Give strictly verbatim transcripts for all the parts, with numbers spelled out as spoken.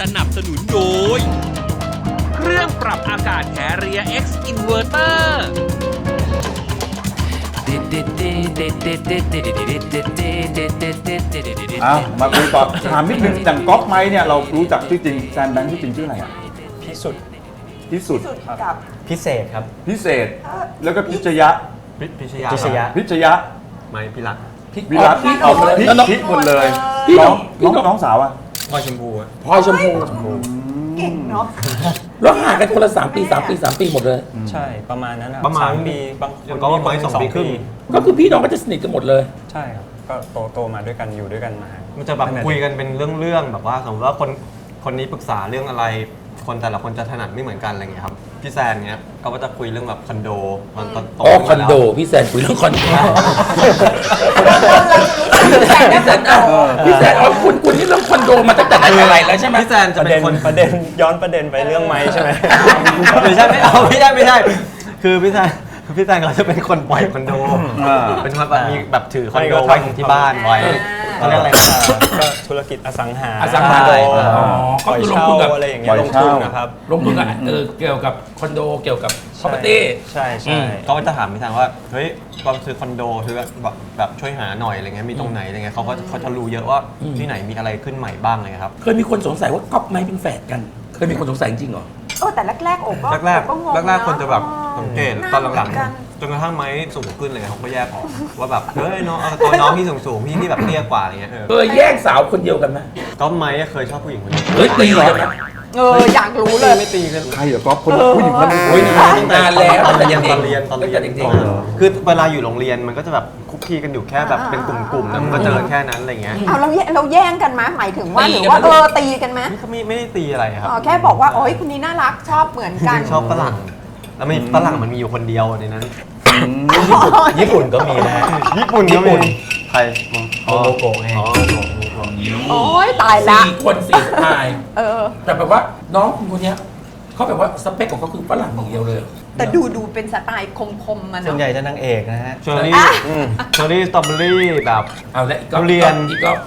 สนับสนุนโดยเครื่องปรับอากาศ Carrier X Inverter อ้าวมาคุยต่อถามนิดนึงอย่างก๊อฟไม้เนี่ยเรารู้จักชื่อจริงแซนแบงค์ชื่อจริงชื่ออะไรอ่ะพิสุทธิ์พิสุทธิ์กับพิเศษครับพิเศษแล้วก็พิชยะพิชยาพิชยะพิชยะไม่พิรักวิรัตเอาพิพิหมดเลยน้องน้องน้องสาวอ่ะพลอยชมพูอะพลอยชมพูเก่งเนาะแล้วห่างกันคนละสามปีสามปีสามปีหมดเลยใช่ประมาณนั้นนะประมาณสามปีบางคอย่างนก็ว่าไว้สองปีครึ่งก็คือพี่น้องก็จะสนิทกันหมดเลยใช่ครับก็โตโตมาด้วยกันอยู่ด้วยกันมามันจะแบบคุยกันเป็นเรื่องๆแบบว่าสมมติว่าคนคนนี้ปรึกษาเรื่องอะไร คนแต่ละคนจะถนัดไม่เหมือนกันอะไรเงี้ยครับพี่แซนเนี้ยเขาก็จะคุยเรื่องแบบคอนโดมันตอนโตอ๋อคขึ้อนมาโดแล้วพี่แซนคุยเรื่องคอนโดพี่แซนพี่แซนอ่ะพี่แซนอ๋อคุณคุณนี่เรื่องคอนโดมาตั้งแต่ไหนแต่ไรแล้วใช่ไหมพี่แซนปจะระเป็เด็นนคนประเด็นย้อนประเด็นไปเรื่องไม้ใช่ไหมไม่ใช่ไม่เอาไม่ใช่ไม่ใช่คือพี่แซนพี่แซนเขาจะเป็นคนปล่อยคอนโดเป็นคนแบบมีแบบถือคอนโดไว้ที่บ้านไว้เขาเรียกอะไรนะก็ธุรกิจอสังหาอสังหาคอนโดอ๋อก็ปล่อยคือลงเช่าทุนกับอะไรอย่างเงี้ยลงทุนนะครับลงทุนกับเออเกี่ยวกับคอนโดเกี่ยวกับ property ใช่ใช่เขาก็จะถามพี่แซนว่าเฮ้ยตอนซื้อคอนโดซื้อแบบแบบช่วยหาหน่อยอะไรเงี้ยมีตรงไหนอะไรเงี้ยเขาก็เขาจะรู้เยอะว่าที่ไหนมีอะไรขึ้นใหม่บ้างอะไรเงี้ยครับเคยมีคนสงสัยว่าก๊อฟไม้เป็นแฝดกัน เคยมีคนสงสัยจริงเหรอเออแต่แรกๆโอ้ก็แรกโอ้งงแรกแรกๆคนจะแบบสังเกตตอนหลังาเมืกันๆจนกระทั่งไม้สูงขึ้นเลยเขาก็แยกออกว่าแบบเฮ้ยน้องเอาตัวน้องที่สูงสูงๆพี่ที่แบบเตี้ยกว่าอะไรเงี้ยเออเคยแย่งสาวคนเดียวกันไหมก็ไม้เคยชอบผู้หญิงคนนี้เฮ้ยตีกันไหมเอออยากรู้เลยไม่ตีกันใครเหรอก๊อฟคนผู้หญิงคนนี้โอ้ยนานแล้วตอนแต่เรียยันงตอนเรียนตอนตั้งเรียแต่นเด็กคือเวลาอยู่โรงเรียนมันก็จะแบบคุกคีกันอยู่แค่แบบเป็นกลุ่มๆแล้วมันก็เจอแค่นั้นอะไรเงี้ยเอาเราแยเราแย่งกันไหมหมายถึงว่าหรือว่าเออตีกันไหมนี่เขาไม่ไม่ได้ตีอะไรครับอ๋อแค่บอกว่าโอ้ยคนนี้น่ารักชอบเหมือนจกันริงๆชอบฝรั่งแล้วมีฝรั่งมันมีอยู่คนเดียวในนั้นญี่ปุ่นก็มีนะฮะญี่ปุ่นก็มีใครมึงโมโมโกะไงอ๋อโมโกะโอ้ยตายละสี่คนสี่สไตล์เออแต่แบบว่าน้องคนเนี้ยเขาแบบว่าสเปคของเขาคือฝรั่งอย่างเดียวเลยแต่ดูดูเป็นสไตล์คมๆมันส่วนใหญ่จะนางเอกนะฮะเชอร์รี่เชอร์รี่สตรอเบอรี่แบบเอาละอีกก็เรียนอีกก็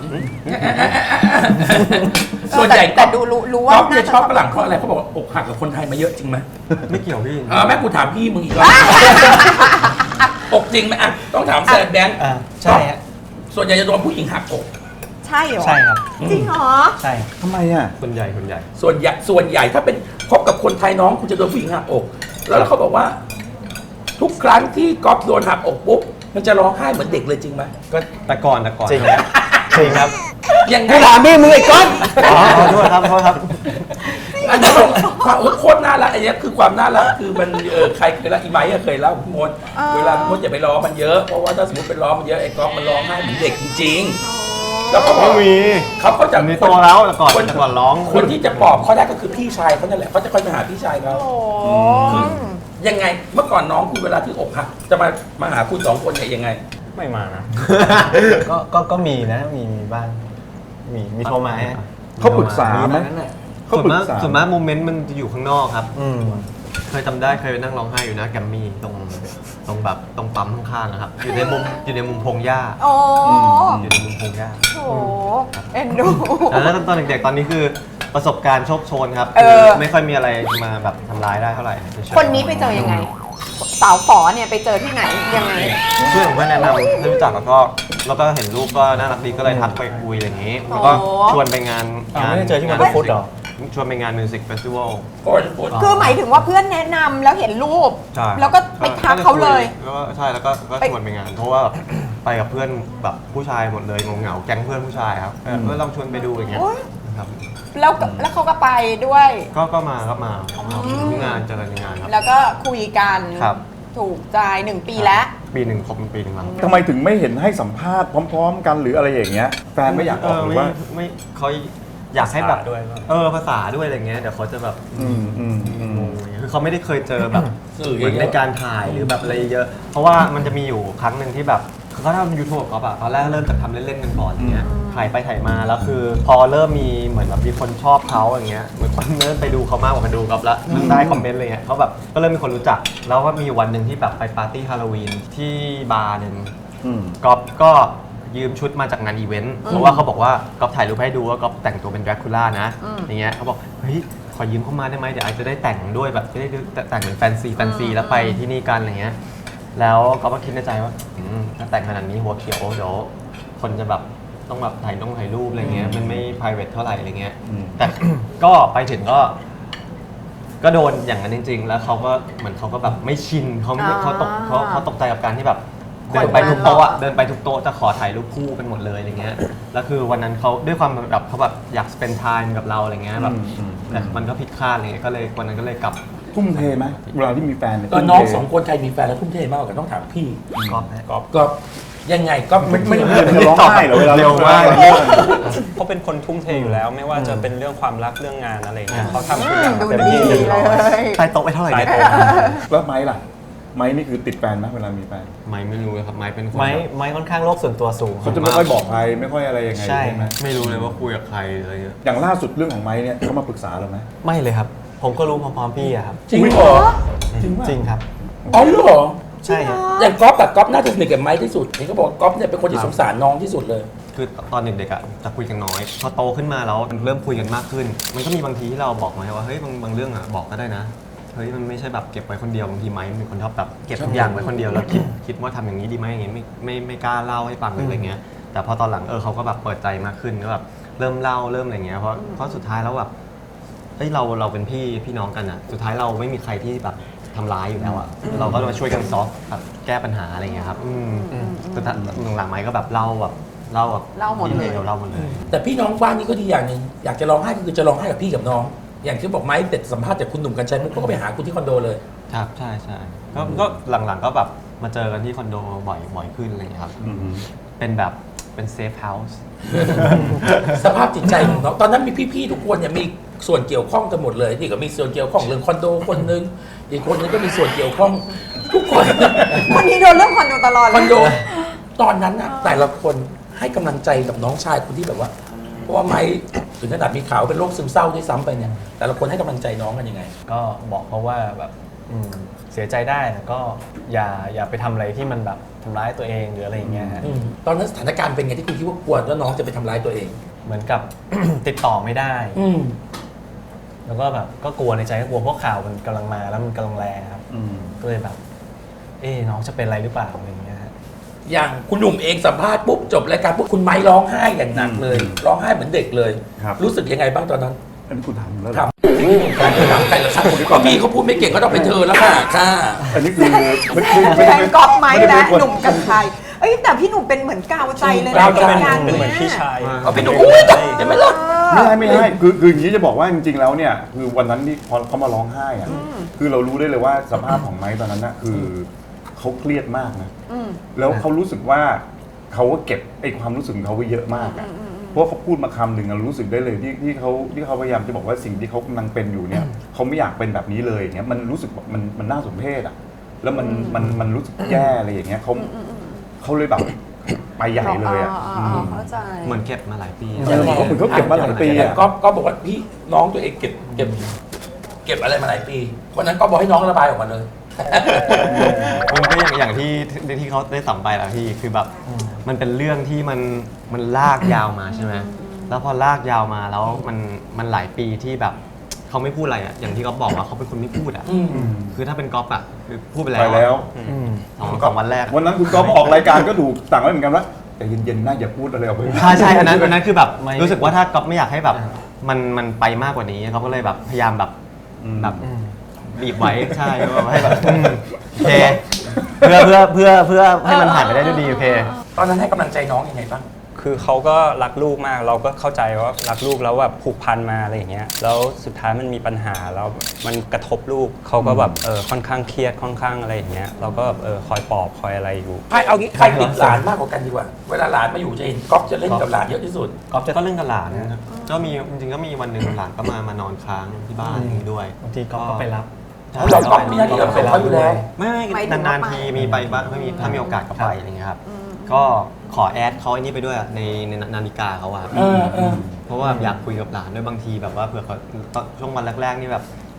ส่วนใหญ่แต่ดูรู้รู้ว่าก๊อฟเนี่ยน่าจะชอบฝรั่งเพราะอะไรเขาบอกว่าอกหักกับคนไทยมาเยอะจริงไหมไม่เกี่ยวพี่เออแม่กูถามพี่มึงอีกแล้วอกจริงไหมอ่ะต้องถามแซนแบงค์อ่าใช่ฮะส่วนใหญ่จะโดนผู้หญิงหักอกใช่เหรอใช่ครับจริงเหรอใช่ทำไมอ่ะคนใหญ่คนใหญ่ส่วนใหญ่ส่วนใหญ่ถ้าเป็นคบกับคนไทยน้องคุณจะโดนผู้หญิงหักอก แล้วเขาบอกว่า ทุกครั้งที่ก๊อฟโดนหักอกปุ๊บมันจะร้องไห้เหมือนเด็กเลยจริงไหมก็แต่ก่อนแต่ก่อนจริงครับจริงครับยังไงกูถามพี่มึงไอ้ก้อนอ๋อขอโทษครับขอโทษครับอันนี้ความเออโคตรน่ารักอันนี้คือความน่ารักคือมันเออใครเคยเล่าอีไมค์อะเคยเล่าพี่มดอ๋อเวลาพี่มดอย่าไปล้อมันเยอะเพราะว่าถ้าสมมติเป็นล้อมันเยอะไอ้ก๊อฟมันร้องไห้เหมือนเด็กจริงๆแล้วเขาบอกไม่มีเขาก็จะมีโตแล้วแต่ก่อนคนแต่ก่อนร้องคนที่จะปลอบเขาได้ก็คือพี่ชายเขานั่นแหละเขาจะคอยไปหาพี่ชายเขาโอ้ยังไงเมื่อก่อนน้องคุณเวลาที่อกหักจะมามาหาคุณสองคนเนี่ยยังไงไม่มานะ ก็ก็ก็มีนะมีมีบ้างมีมีโทรมาฮะเขาปรึกษาไหม เขาส่วนปรึมากกษาส่วนมากโมเมนต์มันจะอยู่ข้างนอกครับอืมเคยจำได้เคยไปนั่งร้องไห้อยู่หน้าแกรมมี่ตรงตรงแบบตรงปั๊มข้างๆนะครับ อยู่ในมุมอยู่ในมุมพงหญ้าโอ้อยู่ในมุมพงหญ้าโหเอ็นดูแล้วตอนเด็กๆตอนนี้คือประสบการณ์โชคโชนครับเออคือไม่ค่อยมีอะไรมาแบบทำร้ายได้เท่าไหร่เฉยๆคนนี้ไปเจอยังไง สาวฝอเนี่ยไปเจอที่ไหนยังไงเพื่อนของเพื่อนแนะนำให้รู้จักแล้วก็แล้วก็เห็นรูปก็น่ารักดีก็เลยทักไปคุยอะไรอย่างนี้แล้วก็โอ้ชวนไปงานอ้าวไม่ได้เจอที่งานฟุตเหรอชวนไปงานมิวสิกเฟสติวัลโอ้ยปวดคือหมายถึงว่าเพื่อนแนะนำแล้วเห็นรูปใช่แล้วก็ไปทักเขาเลยแล้วก็ใช่แล้วก็ก็ไปชวนไปงาน เพราะว่าไปกับเพื่อนแบบผู้ชายหมดเลยงงเหงาๆแก๊งเพื่อนผู้ชายครับเออก็ลองชวนไปดูอย่างเงี้ยโอ๊ยนะครับแล้วก็แล้วเขาก็ไปด้วยก็ก็มาก็มาที่งานเจอกันในงานครับแล้วก็คุยกันครับถูกใจหนึ่งปีแล้วปีหนึ่งครบปีหนึ่งแล้วทำไมถึงไม่เห็นให้สัมภาษณ์พร้อม ๆ กันหรืออะไรอย่างเงี้ยแฟนไม่อยากออกหรือว่าไม่ไม่เขาอยากให้แบบภาษาด้วยป่ะเออภาษาด้วยอะไรเงี้ยเดี๋ยวเขาจะแบบอืมอืมอืมงงๆคือเขาไม่ได้เคยเจอแบบสื่อเหมือนในการถ่ายหรือแบบอะไรเยอะ เพราะว่ามันจะมีอยู่ครั้งหนึ่งที่แบบเขาทำยูทูบเขาแบบตอนแรกเริ่มจากทำเล่นๆกันก่อนอย่างเงี้ยถ่ายไปถ่ายมาแล้วคือ พอเริ่มมีเหมือนแบบมีคนชอบเขาอย่างเงี้ยเหมือนคนเริ่มไปดูเขามากกว่ามาดูกับละเริ่มได้คอมเมนต์อะไรเงี้ยเขาแบบก็เริ่มมีคนรู้จัก แล้วก็มีวันหนึ่งที่แบบไปปาร์ตี้ฮาโลวีนที่บาร์หนึ่งอืมก๊อฟก็ยืมชุดมาจากงานอีเวนต์เพราะว่าเขาบอกว่าก๊อฟถ่ายรูปให้ดูว่าก๊อฟแต่งตัวเป็นแดร็กคูล่านะอย่างเงี้ยเขาบอกเฮ้ยขอยืมเข้ามาได้ไหมเดี๋ยวไอจะได้แต่งด้วยแบบจะได้แต่งเหมือนแฟนซีแฟนซีแล้วไปที่นี่กันอะไรเงี้ยแล้วก๊อฟก็คิดในใจว่าถ้าแต่งขนาดนี้หัวเขียวเดี๋ยวคนจะแบบต้องแบบถ่ายต้องถ่ายรูปอะไรเงี้ยมันไม่ private เท่าไหร่อะไรเงี้ยแต่ ก็ไปถึงก็ก็โดนอย่างนั้นจริงๆแล้วเขาก็เหมือนเขาก็แบบไม่ชินเขาไม่เขาตกเขาเขาตกใจกับการที่แบบเดินไปทุกโต๊ะอะเดินไปทุกโต๊ะจะขอถ่ายรูปคู่กันหมดเลยอะไรเงี้ยแล้วคือวันนั้นเขาด้วยความแบบเขาแบบอยาก spend time กับเราอะไรเงี้ยแบบแต่มันก็ผิดคาดอะไรเงี้ยก็เลยวันนั้นก็เลยกลับทุ่มเทไหมเวลาที่มีแฟนเยตอนน้องสองคนใครมีแฟนแล้วทุ่มเทมากกว่ากันต้องถามพี่ก๊อฟนะก๊อฟก๊อฟยังไงก๊อฟไม่ไม่ไม่ไม่ร้องไห้เหรอเวลาเร็วมากเขาเป็นคนทุ่มเทอยู่แล้ว ไม่ว่าจะเป็นเรื่องความรักเรื่องงานอะไรเงี้ยเขาทำทุกอือย่าม งดูเต็มดีที่เต็มเลร้อยยใต้โต๊ะไปเท่าไหร่ตายเนี่ยตัวแล้วไม้ล่ะไม้นี่คือติดแฟนไหมเวลามีแฟนไม่ไม่รู้เลยครับไม้เป็นคนไม้ไม้ค่อนข้างโลกส่วนตัวสูงเขาจะไม่ค่อยบอกใครไม่ค่อยอะไรยังไงใช่ใช่ไหมไม่รู้เลยว่าคุยกับใครอะไรเงี้ยอย่างล่าสุดเรื่องของไม้เนี่ยเขามาปรึกษาเราไหมไม่เลยครับ ผมก็รู้พร้อมๆพี่อะครับจริงเหรอจริงป่ะจริงครับอ๋อเหรอใช่ครับอย่างก๊อฟแบบก๊อฟน่าจะสนิทกับไม้ที่สุดเห็นเขาบอกก๊อฟเนี่ยเป็นคนที่สงสารน้องที่สุดเลยคือตอนเด็กๆอ่ะจะคุยกันน้อยพอโตขึ้นมาแล้วเริ่มคุยกันมากขึ้น มันก็มีบางทีที่เราบอกไม้ว่าเฮ้ยบางบางเรื่องอ่ะบอกก็ได้นะเฮ้ยมันไม่ใช่แบบเก็บไว้คนเดียวบางทีไม้เป็นคนชอบแบบเก็บทุกอย่างไว้คนเดียวแล้วคิดคิดว่าทำอย่างนี้ดีไหมอย่างเงี้ยไม่ไม่ไม่กล้าเล่าให้ฟังเลยอะไรเงี้ยแต่พอตอนหลังเออเขาก็แบบเปิดใจมากขึ้นก็แบบเริ่มเล่าเริ่มอะไรเงี้ยเพราะเพราะสุดท้ายแล้วแบบเฮ้ยเราเราเป็นพี่พี่น้องกันอ่ะสุดท้ายเราไม่มีใครที่แบบทำร้ายอยู่แล้วอ่ะเราก็มาช่วยกันซอฟแบบแก้ปัญหาอะไรเงี้ยครับอืมสุดท้ายหลังๆไม้ก็แบบเล่าแบบเล่าแบบเล่าหมดเลยเล่าหมดเลยแต่พี่น้องบ้านนี้ก็ดีอย่างหนึ่งอยากจะร้องไห้ก็คือจะร้องไห้กับพี่กับน้อง อย่างที่บอกไม้เด็ดสัมภาษณ์จากคุณหนุ่มกัญชัยมุกเขาก็ไปหาคุณที่คอนโดเลยครับใช่ใช่ก็ก็หลังๆก็แบบมาเจอกันที่คอนโดบ่อยบ่อยขึ้นอะไรอย่างเงี้ยครับอืมเป็นแบบเป็นเซฟเฮาส์สภาพจิตใจของน้องตอนนั้นมีพี่ๆทุกคนเนี่ยมีส่วนเกี่ยวข้องกันหมดเลยนี่ก็มีส่วนเกี่ยวข้องเรื่องคอนโดคนนึงอีกคนนึงก็มีส่วนเกี่ยวข้องทุกคนคนนี้โดนเรื่องคอนโดตลอดเลยคอนโดตอนนั้นนะแต่ละคนให้กำลังใจกับน้องชายคนที่แบบว่า เพราะว่าไม้ถึงขนาดมีข่าวเป็นโรคซึมเศร้าด้วยซ้ำไปเนี่ยแต่ละคนให้กำลังใจน้องกันยังไงก็บอกเขาว่าแบบอืมเสียใจได้แต่ก็อย่าอย่าไปทำอะไรที่มันแบบทำร้ายตัวเองหรืออะไรอย่างเงี้ยฮะอืมตอนนั้นสถานการณ์เป็นไงที่คุณคิดว่ากลัวว่าน้องจะไปทำร้ายตัวเองเหมือนกับ ติดต่อไม่ได้อืมแล้วก็แบบก็กลัวในใจก็กลัวเพราะข่าวมันกำลังมาแล้วมันกำลังแรงครับอืมก็เลยแบบ เอ๊ะน้องจะเป็นอะไรหรือเปล่าอะไรอย่างเงี้ยฮะอย่างคุณหนุ่มเองสัมภาษณ์ปุ๊บจบรายการปุ๊บคุณไม้ร้องไห้อย่างหนักเลย ร้องไห้เหมือนเด็กเลยครับรู้สึกยังไงบ้างตอนนั้นอันนี้คุณทำแล้วเหครรัอบการถามใครละครับก็พี่เขาพูดไม่เก่งก็ต้องเป็นเธอแล้วค่ะค่ะอันนี้คือไม่ไม่ไม่แฟได้นเป็นก๊อฟไหมไม่ได้และเป็นคนหนุ่มกัญชัยเอ้ยแต่พี่หนุ่มเป็นเหมือนกาวใจเลยนะกาวใจเป็นงานเป็นเหมือนยพี่ชายเอาพี่หนุ่มอุ้ยเห็นไหมล่ะไม่ใช่ไม่ใช่คือคืออย่างนี้จะบอกว่าจริงๆแล้วเนี่ยคือวันนั้นที่พอเขามาร้องไห้อะคือเรารู้ได้เลยว่าสภาพของไม้ตอนนั้นน่ะคือเขาเครียดมากนะอืมแล้วเขารู้สึกว่าเขาก็เก็บไอ้ความรู้สึกของเขาไว้เยอะมากอะเพราะว่าเขาพูดมาคำหนึ่งเรารู้สึกได้เลยที่ที่เขาที่เขาพยายามจะบอกว่าสิ่งที่เขากำลังเป็นอยู่เนี่ยเขาไม่อยากเป็นแบบนี้เลยอย่างเงี้ยมันรู้สึกแบบมันมันน่าสมเพชอะแล้วมันมันมันรู้สึกแย่อะไรอย่างเงี้ยเขาเขาเลยแบบไปใหญ่เลยอะอ๋ออ๋อเข้าใจเหมือนเก็บมาหลายปีเออเขาเหมือนเขาเก็บมาหลายปีอะก็ก็บอกว่าพี่น้องตัวเองเก็บเก็บเก็บอะไรมาหลายปีวันนั้นก็บอกให้น้องระบายออกมาเลยมันก็อย่างอย่างที่ที่ที่เขาได้สัมไปแหละพี่คือแบบมันเป็นเรื่องที่มันมันลากยาวมาใช่ไหมแล้วพอลากยาวมาแล้วมันมันหลายปีที่แบบเขาไม่พูดอะไรอ่ะอย่างที่เขาบอกว่าเขาเป็นคนไม่พูดอ่ะอืมคือถ้าเป็นก๊อฟอ่ะคือพูดไปไปแล้วแล้วสองสองวันแรกวันนั้นคุณก๊อฟออกรายการก็ถูกสั่งไว้เหมือนกันว่าแต่เย็นๆน่าอย่าพูดอะไรออกไปใช่ใช่อันนั้นอันนั้นคือแบบไม่รู้สึกว่าถ้าก๊อฟไม่อยากให้แบบมันมันไปมากกว่านี้เขาก็เลยแบบพยายามแบบอืมแบบบีบไว้ใช่แบบให้แบบอืมโอเคเพื่อเพื่อเพื่อเพื่อให้มันผ่านไปได้ด้วยดีโอเคตอนนั้นให้กำลังใจน้องยังไงบ้างคือเขาก็รักลูกมาก เราก็เข้าใจว่ารักลูกแล้วแบบผูกพันมาอะไรอย่างเงี้ย แล้วสุดท้ายมันมีปัญหาแล้วมันกระทบลูก เขาก็แบบเออค่อนข้างเครียดค่อนข้างอะไรอย่างเงี้ย เราก็แบบเออคอยปลอบคอยอะไรอยู่ใครเอางี้ใครติดหลานมากกว่ากันดีกว่า เวลาหลานมาอยู่จะเห็นก๊อฟจะเล่นกับหลานเยอะที่สุดก๊อฟจะก็เล่นกับหลานนะครับก็มีจริงๆก็มีวันหนึ่งหลานก็มามานอนค้างที่บ้านอย่างนี้ด้วยบางทีก็ไปรับใช่เราก๊อฟมีหน้าที่รับส่งเขาอยู่แล้วไม่หมายถึไม่งนานว่าๆไปทีมีไปบ้างไม่มีถ้ามีโอกาสก็ไปอะไรเงี้ยครับก็ขอแอดเขาไอ้นี่ไปด้วยอะในในนาฬิกาเขาอะเออเออเพราะว่าอยากคุยกับหลานด้วยบางทีแบบว่าเผื่อเขาตอนช่วงวันแรกๆนี่แบบ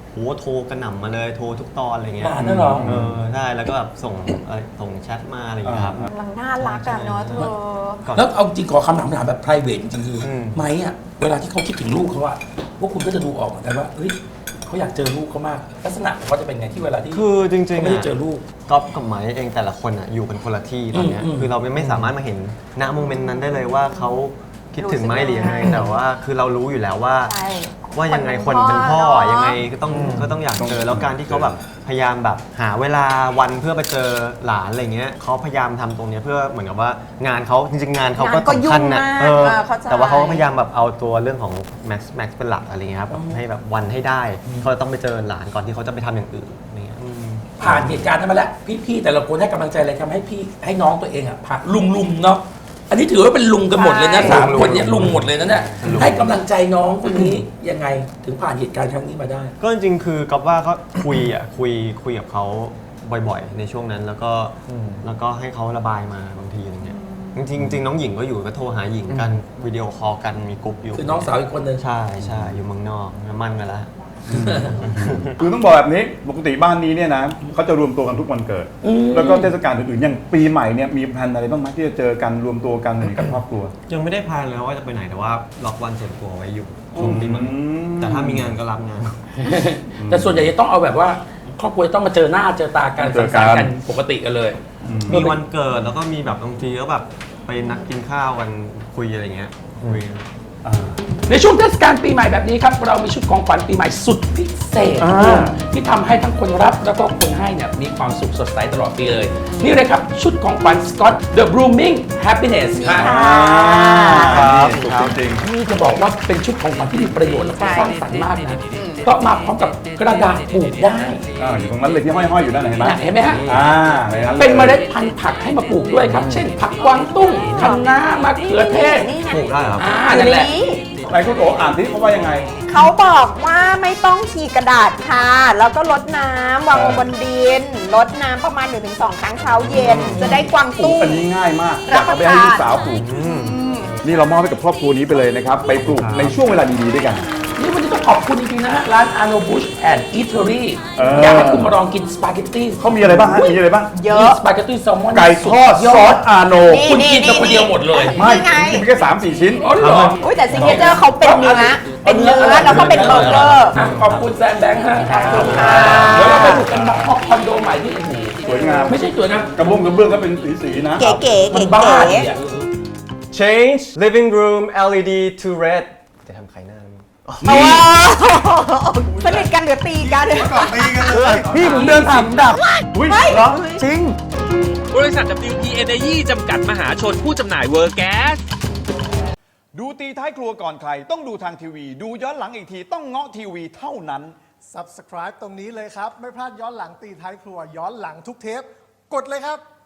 โหโทรกระหน่ำมาเลยโทรทุกตอนอะไรเงี้ยหลานน่ะเหรอเออใช่แล้วก็แบบส่งอะไรส่งแชทมาอะไรอย่างเงี้ยครับกำลังน่ารักอะเนาะเธอก่อนแล้วเอาจริงขอคำถามถามแบบ private จริงๆคืออมไหมอ่ะเวลาที่เขาคิดถึงลูกเขาอะพวกคุณก็จะดูออกเหมือนกันว่าเฮ้ยเขาอยากเจอลูกเขามากลักษณะเขาจะเป็นไงที่เวลาที่คือจริงๆเขาไม่ได้ะเจอลูกก๊อฟกับไม้เองแต่ละคนอ่ะอยู่กันคนละที่ตอนเนี้ยอืมอืมคือเราไม่สามารถมาเห็นณโมเมนต์นั้นได้เลยว่าเขาคิดถึงไหมหรือยังไงแต่ว่าคือเรารู้อยู่แล้วว่าใช่ว่ายังไงคคนนเป็เป็นนพ่พ่อออะเนอะยังไงก็ต้องก็ต้องอยากเจอแล้วการที่เขาแบบพยายามแบบหาเวลาวันเพื่อไปเจอหลานอะไรเงี้ยเขาพยายามทำตรงเนี้ยเพื่อเหมือนกับว่างานเขาจริงๆงานเขาก็งานก็สำคัญนะยุ่งมากเออเออเข้าใจแต่ว่าเขาก็พยายามแบบเอาตัวเรื่องของแม็กซ์แม็กซ์เป็นหลักอะไรเงี้ยครับแบบให้แบบวันให้ได้เขาต้องไปเจอหลานก่อนที่เขาจะไปทำอย่างอื่นอะไรเงี้ยอืมผ่านเหตุการณ์นั้นมาแล้วพี่ๆแต่ละคนให้กำลังใจอะไรทำให้พี่ให้น้องตัวเองอ่ะผ่านลุงลุงๆเนาะอันนี้ถือว่าเป็นลุงกันหมดเลยนะใช่สามคนเนี่ยลุงหมดเลยนะเนี่ยให้กำลังใจน้องคนนี้ยังไงถึงผ่านเหตุการณ์ครั้งนี้มาได้ก็จริงๆ คือกับว่าก็คุยอ่ะคุยคุยกับเขาบ่อยๆ ในช่วงนั้นแล้วก็แล้วก็ให้เขาระบายมาบางทีอะไรเงี้ยจริงๆจริงๆน้องหญิงก็อยู่ก็โทรหาหญิงกันวิดีโอคอลกันมีกลุ่มอยู่คือน้องสาวอีกคนนึงใช่ใช่อยู่เมืองนอกมั่นกันแล้วคือต้องบอกแบบนี้ปกติบ้านนี้เนี่ยนะเขาจะรวมตัวกันทุกวันเกิด แล้วก็เทศกาลอื่นๆอย่างปีใหม่เนี่ยมีแพลนอะไรบ้างไหมที่จะเจอกันรวมตัวกันกับครอบครัวยังไม่ได้พลานเลยว่าจะไปไหนแต่ว่าล็อกวันส่วนตัวไว้อยู่ช่วงปีใหม่อืมแต่ถ้ามีงานก็รับงานแต่ส่วนใหญ่จะต้องเอาแบบว่าครอบครัวจะต้องมาเจอหน้าเจอตากันเจสัองสกันรรค์กันปกติกันเลยมีวันเกิดแล้วก็มีแบบบางทีก็แบบไปนัดกินข้าวกันคุยอะไรเงี้ยคุยในช่วงเทศกาลปีใหม่แบบนี้ครับเรามีชุดของขวัญปีใหม่สุดพิเศษอ่าที่ทำให้ทั้งคนรับแล้วก็คนให้เนี่ยมีความสุขสดใสตลอดปีเลย นี่เลยครับชุดของขวัญ Scott The Blooming Happiness ครับครับถูกจริงนี่จะบอกว่าเป็นชุดของขวัญที่มีประโยชน์และก็สร้างสรรค์มากนะเพราะมาพร้อมกับกระดาษปลูกได้ๆอ่าอยู่ตรงนั้นเลยที่ห้อยๆอยู่ด้านไหนเห็นไหมเห็นไหมฮะอ่าในนั้นลยเป็นเมล็ดพันธุ์ผักให้มาปลูกด้วยครับ เช่น ผักกวางตุ้งคะน้ามะเขือเทศนี่ไงปลูกได้เหรอครับอ่านั่นแหละนี่ไหนคุณโออ่านที่เขาว่ายังไงเขาบอกว่าไม่ต้องฉีกกระดาษค่ะ แล้วก็ลดน้ำวางลงบนดิน ลดน้ำประมาณ หนึ่งถึงสอง ครั้งเช้าเย็น จะได้กวางปลูกตุ้งอันนี้ง่ายมากอรัยาบกประเอาไปให้ทานลูกสาวปลูกนี่เรามอบให้กับครอบครัวนี้ไปเลยนะครับ ไปปลูกในช่วงเวลาดีๆด้วยกันนี่วันนี้ต้องขอบคุณจริงๆนะฮะ ร้าน Arno Bush and Eatery เอออยากให้คุณมาลองกินสปาเกตตี้เขามีอะไรบ้างฮะมีอะไรบ้างเยมีอะสปาเกตตี้แซลมอนไก่ทอดซอสอาโนนี่คุณกินแต่คนเดียวหมดเลยไม่นี่ไงกินไปแค่สามสี่ชิ้นอ๋อเหรออุ้ยแต่ซิงเกิลเจอร์เขาเป็นเนื้อ เป็นเนื้อแล้วก็เป็นเบอร์เกอร์ะขอบคุณแซมแบงค์ฮะขอบคุณค่ะเดี๋ยวเราไปดูกันห้องคอนโดใหม่ที่โอ้โหสวยงามไม่ใช่สวยนะกระบุงกระเบื้องก็เป็นสีๆนะเก๋ๆเก๋มันๆบ้าเก๋เนี่ย Change living room แอล อี ดี to red จะทำใครหน้านะเอาว่าสนิทกันหรือตีกันพี่ผมเดินผ่านผมดับอุ้ยเหรอจริงบริษัท ดับเบิลยู พี Energy จำกัดมหาชนผู้จำหน่ายเวอร์แก๊สดูตีท้ายครัวก่อนใคร ต้องดูทางทีวี ดูย้อนหลังอีกทีต้องเงาะทีวีเท่านั้น Subscribe ตรงนี้เลยครับ ไม่พลาดย้อนหลังตีท้ายครัว ย้อนหลังทุกเทป กดเลยครับ